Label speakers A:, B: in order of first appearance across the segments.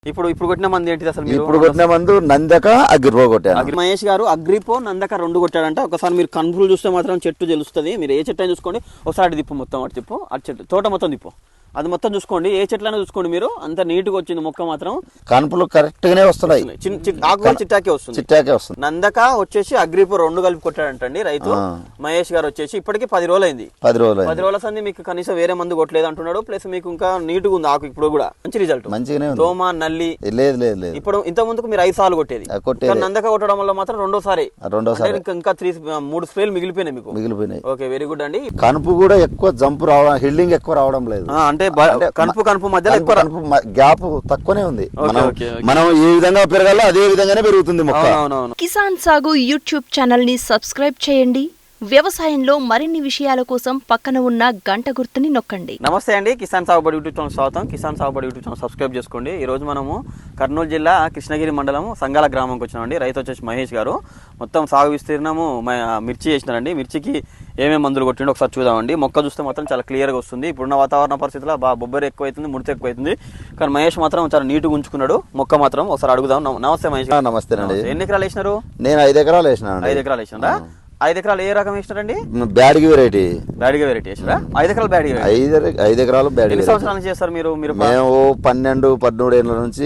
A: ఇప్పుడు కొట్టిన మంది ఏంటిది అసలు?
B: ఇప్పుడు కొట్టిన మందు నందక అగ్రిపో కొట్టాను.
A: మహేష్ గారు అగ్రిపో నందక 2 కొట్టాడంట. ఒకసారి మీరు కన్ఫ్యూజ్ చూస్తే మాత్రం చెట్టు తెలుస్తుంది. మీరు ఏ చెట్టు అని చూసుకోండి, ఒకసారి తిప్పు, మొత్తం అటు తిప్పు, అటు చెట్టు తోట మొత్తం తిప్పు, అది మొత్తం చూసుకోండి. ఏ చెట్లైనా చూసుకోండి మీరు, అంత నీట్గా వచ్చింది మొక్క మాత్రం.
B: కనుపులు కరెక్ట్ గానే వస్తున్నాయి,
A: ఆకు చిట్టాకే వస్తుంది,
B: చిట్టాకే వస్తుంది.
A: నందక వచ్చేసి అగ్రిపో 2 కలిపి కొట్టాడంటండి రైతు. మహేష్ గారు వచ్చేసి ఇప్పటికి 10 రోజులు అయింది. 10 రోజుల సంది మీకు కనీసం వేరే మందు కొట్టలేదు అంటున్నాడు. ప్లస్ మీకు ఇంకా నీట్గా ఉంది ఆకు, ఇప్పుడు కూడా మంచి రిజల్ట్,
B: మంచిగానే ఉంది.
A: దోమ నల్లి
B: లేదు లేదు లేదు.
A: ఇప్పుడు ఇంత ముందుకు మీరు 5 సార్లు కొట్టేది, నందక కొట్టడం వల్ల మాత్రం రెండోసారి ఇంకా 3 స్ప్రేలు మిగిలిపోయినాయి మీకు. మిగిలిపోయినాయి. ఓకే, వెరీ గుడ్ అండి.
B: కనుపు కూడా ఎక్కువ జంపు రావడం, హిల్డింగ్ ఎక్కువ రావడం లేదు.
A: అంటే కనుపు మధ్యలో ఎక్కువ
B: గ్యాప్ తక్కువనే ఉంది. మనం ఏ విధంగా పెరగాలో అదే విధంగానే పెరుగుతుంది మొక్క.
C: కిసాన్ సాగు యూట్యూబ్ ఛానల్ ని సబ్స్క్రైబ్ చేయండి. వ్యవసాయంలో మరిన్ని విషయాల కోసం పక్కన ఉన్న గంట గుర్తుని నొక్కండి.
A: నమస్తే అండి, కిసాన్ సాగుబడి యూట్యూబ్ ఛానల్ స్వాగతం. కిసాన్ సాగుబడి యూట్యూబ్ ఛానల్ సబ్స్క్రైబ్ చేసుకోండి. ఈ రోజు మనము కర్నూలు జిల్లా కృష్ణగిరి మండలం సంగాల గ్రామంకి వచ్చినామండి. రైతు వచ్చేసి మహేష్ గారు. మొత్తం సాగు విస్తీర్ణము మిర్చి చేసినారండి. మిర్చికి ఏమేమి మందులు కొట్టిండో ఒకసారి చూద్దామండి. మొక్క చూస్తే మాత్రం చాలా క్లియర్గా వస్తుంది. ఇప్పుడున్న వాతావరణ పరిస్థితుల్లో బొబ్బరి ఎక్కువైతుంది, ముడత ఎక్కువైతుంది. కానీ మహేష్ మాత్రం చాలా నీట్గా ఉంచుకున్నాడు మొక్క మాత్రం. ఒకసారి అడుగుదాం. నమస్తే మహేష్.
B: నమస్తే అండి.
A: ఎన్ని ఎకరాలు వేసినారు?
B: నేను 5 ఎకరాలు వేసినాను.
A: 5 ఎకరాలు వేసినారా? 5 ఎకరాలు ఏ రకం వేసినారండి?
B: బ్యాడ్గి వెరైటీ.
A: బ్యాడ్గి వెరైటీ వేసినారా? 5 ఎకరాలు బ్యాడ్గి.
B: 5 ఎకరాలు బ్యాడ్గి.
A: ఎన్ని సంవత్సరాల నుంచి చేస్తారు మీరు?
B: మేము 12-13 ఏళ్ళ నుంచి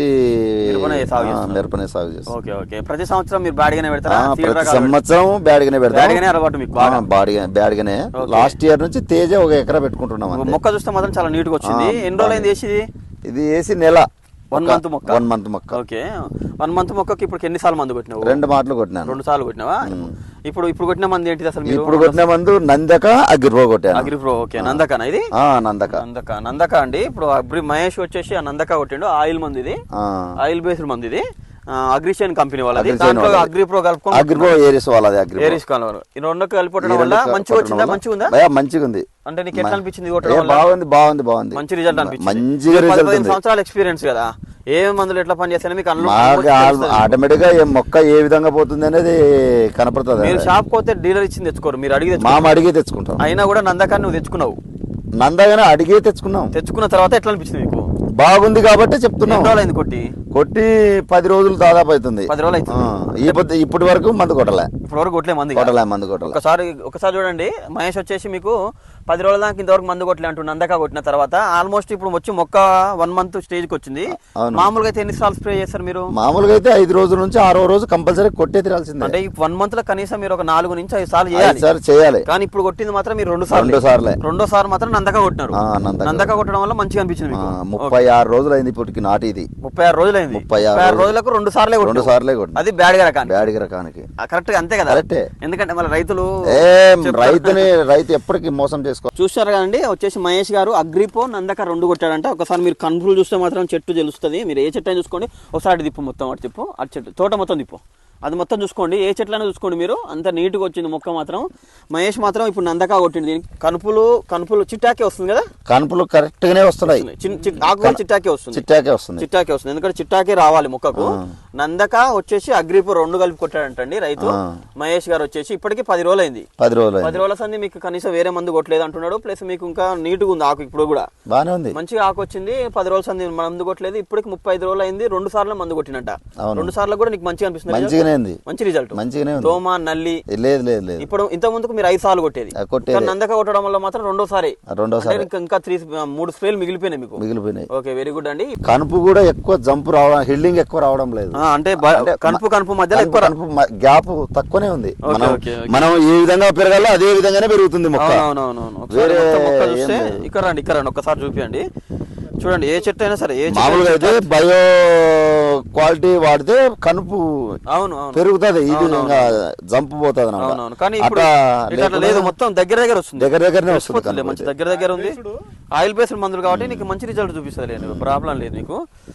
B: మిరపనే సాగు చేస్తాం.
A: Okay okay. ప్రతి సంవత్సరం మీరు బ్యాడ్గానే పెడతారా?
B: ప్రతి సంవత్సరం బ్యాడ్గానే పెడతాం.
A: బ్యాడ్గానే అలవాటు మీకు?
B: బ్యాడ్గానే. లాస్ట్ ఇయర్ నుంచి తేజ 1 ఎకరా పెట్టుకుంటున్నాం.
A: మొక్క చూస్తే మాత్రం చాలా నీట్గా వచ్చింది. ఎన్ని రోజులు అయింది వేసి?
B: ఇది వేసి నెల.
A: 1 మంత్ మొక్క.
B: 1 మంత్ మొక్క.
A: ఓకే. 1 మంత్ మొక్కకి ఇప్పుడు ఎన్ని సార్లు మందు కొట్టినావు?
B: 2 మాటలు కొట్టినాను.
A: 2 సార్లు కొట్టినావా? ఇప్పుడు కొట్టిన మంది ఏంటిది అసలు?
B: ఇప్పుడు కొట్టిన మందు నందక అగ్రిపో కొట్టాను.
A: అగ్రిపో. ఓకే, నందకనా ఇది? నందక అండి. ఇప్పుడు మహేష్ వచ్చేసి ఆ నందక కొట్టిండు. ఆయిల్ మంది ఇది, ఆయిల్ బేస్డ్ మంది ఇది. అగ్రిషన్ కంపెనీ వాళ్ళది. దాంట్లో అగ్రిప్రో కలుపుకొని
B: అగ్రిపో ఏరిస్ వాళ్ళది.
A: ఏరిస్ కాలం ఈ 2 కలిపి వల్ల మంచిగా వచ్చిందా? మంచిగా ఉందా?
B: మంచిగా ఉంది.
A: అంటే నీకు ఎట్లా అనిపించింది?
B: బాగుంది.
A: మంచి రిజల్ట్ అనిపించింది.
B: మంచిగా
A: 15 సంవత్సరాల ఎక్స్పీరియన్స్ కదా, ఏ మందులు ఎట్లా పనిచేస్తాయో మీకు
B: ఆటోమేటిక్ గా మొక్క ఏ విధంగా పోతుంది అనేది కనపడుతుంది.
A: మీరు షాప్ పోతే డీలర్ ఇచ్చింది తెచ్చుకోరు, మీరు
B: అడిగి తెచ్చుకుంటాం.
A: అయినా కూడా నందకాన్ని నువ్వు తెచ్చుకున్నావు.
B: నందగానే అడిగే తెచ్చుకున్నాం.
A: తెచ్చుకున్న తర్వాత ఎట్లా అనిపించింది మీకు?
B: బాగుంది కాబట్టి చెప్తున్నాం. కొట్టి 10 రోజులు దాదాపు అవుతుంది.
A: 10 రోజులు అవుతుంది.
B: ఇప్పటి వరకు మందు కొట్టలే.
A: మందు ఒకసారి చూడండి. మహేష్ వచ్చేసి మీకు 10 రోజుల దాకా ఇంతవరకు మందు కొట్టలే అంటూ నందక కొట్టిన తర్వాత ఆల్మోస్ట్ ఇప్పుడు వచ్చి మొక్క 1 మంత్ స్టేజ్ కి వచ్చింది. మామూలుగా అయితే ఎన్ని సార్లు స్ప్రే చేస్తారు మీరు?
B: మామూలుగా అయితే 5 రోజుల నుంచి 6వ రోజు కంపల్సరీ కొట్టే తీరాల్సిందే.
A: అంటే 1 మంత్ లో కనీసం మీరు ఒక 4 నుంచి 5 సార్లు
B: చేయాలి.
A: కానీ ఇప్పుడు కొట్టింది మాత్రం మీరు 2 సార్లు. రెండోసారి మాత్రం నందక కొట్టినారు. నందక కొట్టడం వల్ల మంచిగా అనిపించింది.
B: 36 రోజులు అయింది ఇప్పటికి నాటి. ఇది
A: 36 రోజులు అయింది. 36 రోజులకు 2 సార్లే కొట్టింది. అది బ్యాడ్గా రకానికి కరెక్ట్ గా అంతే కదా? ఎందుకంటే మళ్ళీ
B: రైతు ఎప్పటికీ మోసం చేసుకో.
A: చూస్తారు కదండి, వచ్చేసి మహేష్ గారు అగ్రిపో నందక 2 కొట్టాడంట. ఒకసారి మీరు కన్ఫ్యూజ్ చూస్తే మాత్రం చెట్టు తెలుస్తుంది. మీరు ఏ చెట్టు అని చూసుకోండి, ఒకసారి తిప్పు, మొత్తం అటు తిప్పు, అటు చెట్టు తోట మొత్తం తిప్పు, అది మొత్తం చూసుకోండి. ఏ చెట్లైనా చూసుకోండి మీరు, అంత నీట్గా వచ్చింది మొక్క మాత్రం. మహేష్ మాత్రం ఇప్పుడు నందక కొట్టింది. దీనికి కనుపులు చిట్టాకే వస్తుంది కదా?
B: కనుపులు కరెక్ట్ గానే వస్తున్నాయి.
A: ఆకు చిట్టాకే వస్తుంది. ఎందుకంటే చిట్టాకే రావాలి మొక్కకు. నందక వచ్చేసి అగ్రిపో 2 కలిపి కొట్టాడంటండి రైతు. మహేష్ గారు వచ్చేసి ఇప్పటికి 10 రోజులు అయింది. 10 రోజుల సంది మీకు కనీసం వేరే మందు కొట్టలేదు అంటున్నాడు. ప్లస్ మీకు ఇంకా నీట్గా ఉంది ఆకు, ఇప్పుడు కూడా
B: బాగానే ఉంది.
A: మంచిగా ఆకు వచ్చింది. 10 రోజుల సంది మందు కొట్టలేదు. ఇప్పటికి 35 రోజులు అయింది. 2 సార్లు మందు కొట్టినట్ట. 2 సార్లు కూడా నీకు మంచిగా అనిపిస్తుంది.
B: మంచి
A: రిజల్ట్, దోమ నల్లి
B: లేదు.
A: ఇప్పుడు ఇంత ముందుకు మీరు 5 సార్లు కొట్టేది, నందక కొట్టడం వల్ల మాత్రం రెండోసారి ఇంకా 3 స్ప్రేలు మిగిలిపోయినాయి మీకు. ఓకే, వెరీ గుడ్ అండి.
B: కనుపు కూడా ఎక్కువ జంపు రావడం, హిల్డింగ్ ఎక్కువ రావడం లేదు.
A: అంటే కనుపు మధ్యలో
B: గ్యాప్ తక్కువనే ఉంది. మనం ఏ విధంగా పెరగాలో అదే విధంగానే పెరుగుతుంది మొక్క.
A: ఇక్కడ రండి ఒక్కసారి చూపియండి. చూడండి, ఏ చెట్టు అయినా సరే,
B: మామూలుగా అయితే బయో క్వాలిటీ వాడితే కనుపు పెరుగుతుంది, ఇది జంపు పోతుంది.
A: కానీ ఇప్పుడు లేదు, మొత్తం దగ్గరనే వస్తుంది. మంచి దగ్గర ఉంది. ఆయిల్ బేస్డ్ మందులు కాబట్టి నీకు మంచి రిజల్ట్ చూపిస్తుంది. ప్రాబ్లం లేదు నీకు.